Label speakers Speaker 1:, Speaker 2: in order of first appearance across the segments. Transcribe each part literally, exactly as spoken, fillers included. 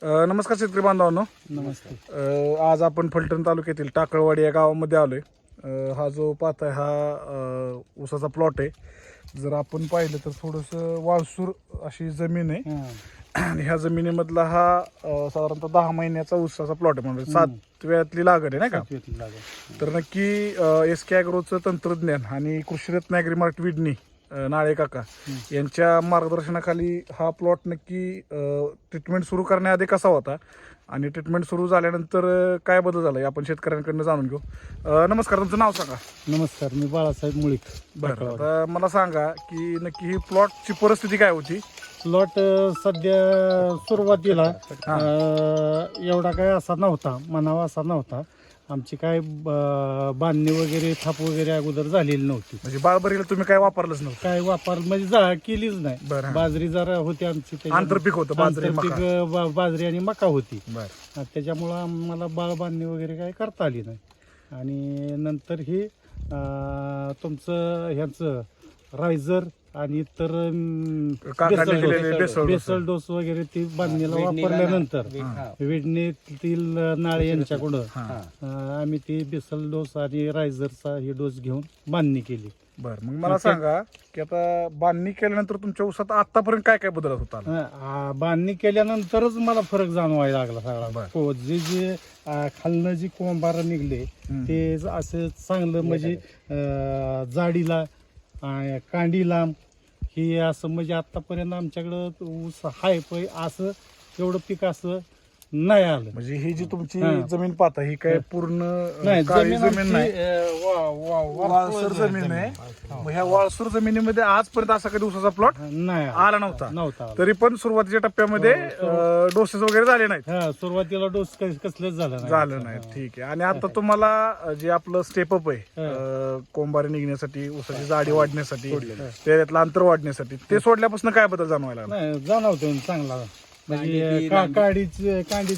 Speaker 1: अ, नमस्कार शेतकरी बांधवांनो.
Speaker 2: नमस्ते.
Speaker 1: अ, आज आपण फलटण तालुक्यातील टाकळवाडी या गावामध्ये आलोय. अ, हा जो पाहताय हा अ, ऊसाचा प्लॉट आहे. जर आपण पाहिलं तर थोडंसं वाळसूर अशी जमीन आहे आणि ह्या जमिनीमधला हा अ, साधारणतः दहा महिन्याचा ऊसाचा प्लॉट आहे, म्हणजे सातव्यातली लागण आहे नाही का. तर नक्की एस के ॲग्रोचं तंत्रज्ञान आणि कृषीरत्न ॲग्रीमार्ट विडणी अ, नाळे काका यांच्या मार्गदर्शनाखाली हा प्लॉट नक्की ट्रीटमेंट सुरू करण्याआधी कसा होता आणि ट्रीटमेंट सुरू झाल्यानंतर अ, काय बदल झाला हे आपण शेतकऱ्यांकडनं जाणून घेऊ. अ, नमस्कार, तुमचं नाव सांगा.
Speaker 2: नमस्कार, मी बाळासाहेब मुळीक.
Speaker 1: बरं, आता मला सांगा की नक्की ही प्लॉटची परिस्थिती काय होती.
Speaker 2: प्लॉट सध्या सुरुवातीला अं, एवढा काय असा नव्हता, म्हणावा असा नव्हता. आमची काय ब- बांधणी वगैरे थाप वगैरे अगोदर झालेली नव्हती.
Speaker 1: म्हणजे बाळबरीला तुम्ही काय वापरलंच नव्हतं.
Speaker 2: काय वापर म्हणजे जा केलीच
Speaker 1: बरं,
Speaker 2: नाही.
Speaker 1: हां.
Speaker 2: बाजरी जरा होती आमची, त्याच्यामुळे-
Speaker 1: आंतरपीक होतं बाजरी,
Speaker 2: आंतरपीक,
Speaker 1: मका.
Speaker 2: बा- बाजरी आणि मका होती.
Speaker 1: बरं,
Speaker 2: त्याच्यामुळं आम्हाला बाळ बांधणी वगैरे काय करता आली नाही. आणि नंतर हे अं, तुमचं ह्याचं रायझर आणि इतर अं,
Speaker 1: काकाने
Speaker 2: बेसल
Speaker 1: दिलेले
Speaker 2: dose-
Speaker 1: basal dose.
Speaker 2: Basal dose वगैरे ती बांधणीला वापरल्यानंतर विडणीतील नाळे यांच्याकडं
Speaker 1: हां.
Speaker 2: अं, आम्ही ती बेसल डोस आणि रायझरचा ही डोस घेऊन बांधणी केली.
Speaker 1: बरं, मग मला सांगा की आता बांधणी केल्यानंतर तुमच्या ऊसात आतापर्यंत काय काय बदल होता.
Speaker 2: अं, बांधणी केल्यानंतरच मला फरक जाणवायला लागला सगळा.
Speaker 1: बरं.
Speaker 2: हो, जे जे अं, खालनं जी कोंबार निघले
Speaker 1: हम्म.
Speaker 2: ते ज- असं चांगलं म्हणजे अं, जाडीला अं, कांडीला ही असं म्हणजे आतापर्यंत आमच्याकडं ऊस हाय पण असं एवढं पीक असं नाही आलं.
Speaker 1: म्हणजे ही जी तुमची
Speaker 2: हां.
Speaker 1: जमीन पाहता ही काय पूर्ण अ,
Speaker 2: नाही,
Speaker 1: काळी
Speaker 2: जमीन
Speaker 1: जमीन
Speaker 2: आमची,
Speaker 1: नाही,
Speaker 2: अं, वा- वा- वा-
Speaker 1: वाळसर जमीन आहे. मग ह्या वाळसूर जमिनीमध्ये आजपर्यंत असा कधी ऊसाचा प्लॉट
Speaker 2: नाही आलं.
Speaker 1: आला नव्हता.
Speaker 2: नव्हता आला.
Speaker 1: तरी पण सुरुवातीच्या टप्प्यामध्ये डोसेस वगैरे झाले नाहीत.
Speaker 2: हा, सुरुवातीला डोस कसलंच झालं नाही.
Speaker 1: झालं नाही, ठीक आहे. आणि आता तुम्हाला अ, जे आपलं स्टेपअप आहे अ, कोंबारी निघण्यासाठी, ऊसाची जाडी वाढण्यासाठी, त्याच्यातलं अंतर वाढण्यासाठी, ते सोडल्यापासून काय बदल जाणवायला लागला.
Speaker 2: नाही, जाणवतो चांगला. म्हणजे
Speaker 3: कांडीची
Speaker 2: का-
Speaker 3: लांबी.
Speaker 2: काडीच कांडीच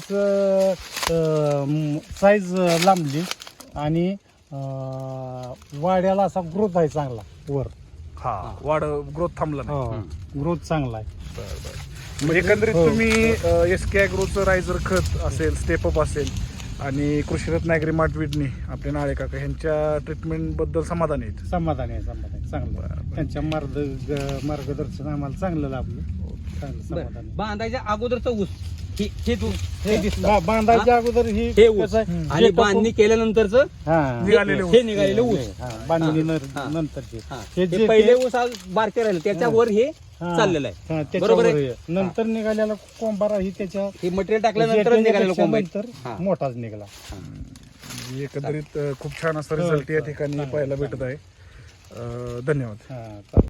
Speaker 2: साईज लांबली आणि अं, वाड्याला असा ग्रोथ आहे चांगला वर.
Speaker 1: हा, वाढ ग्रोथ थांबला नाही.
Speaker 2: ग्रोथ चांगला आहे.
Speaker 1: बरं, बरं. म्हणजे एकंदरीत
Speaker 2: हो.
Speaker 1: तुम्ही एस के ॲग्रोचं रायझर खत असेल, स्टेपअप असेल आणि कृषीरत्न ॲग्रीमार्ट विडणी आपले नाळे काका ह्यांच्या ट्रीटमेंट बद्दल समाधानी आहेत.
Speaker 2: समाधान आहे, समाधान आहे, चांगलं
Speaker 1: बरं,
Speaker 2: आहे.
Speaker 1: बरं.
Speaker 2: त्यांच्या मार्ग मार्गदर्शन आम्हाला चांगलं लाभलं. चांगलं समाधान आहे.
Speaker 3: बांधायच्या अगोदरचा ऊस हे हे तू हे दिसतं.
Speaker 2: बा- बांधायच्या अगोदर ही
Speaker 3: हे ऊस
Speaker 2: कसं आहे,
Speaker 3: आणि
Speaker 2: जे
Speaker 3: बांधणी केल्यानंतरच
Speaker 2: हा,
Speaker 1: निघालेले
Speaker 3: हे निघालेले ऊस.
Speaker 2: हा, बांधणी
Speaker 3: हा.
Speaker 2: नंतरचे
Speaker 3: हा.
Speaker 2: हे
Speaker 3: हे
Speaker 2: जे
Speaker 3: पहिले ऊस आज बारके राहिले त्याच्यावर हे
Speaker 2: हा.
Speaker 3: चाललेलं आहे.
Speaker 2: हा,
Speaker 3: बरोबर
Speaker 2: त्याच्यावर
Speaker 3: आहे.
Speaker 2: हे. नंतर निघालेला कोंबारा ही त्याच्या
Speaker 3: हे मटेरियल टाकल्यानंतर निघालेलं कोंब आहे.
Speaker 2: नंतर
Speaker 3: हा.
Speaker 2: मोठाच निघाला.
Speaker 1: म्हणजे एकंदरीत अ, खूप छान असा रिझल्ट या ठिकाणी पाहायला भेटत आहे. अ, धन्यवाद.
Speaker 2: हा, चालेल.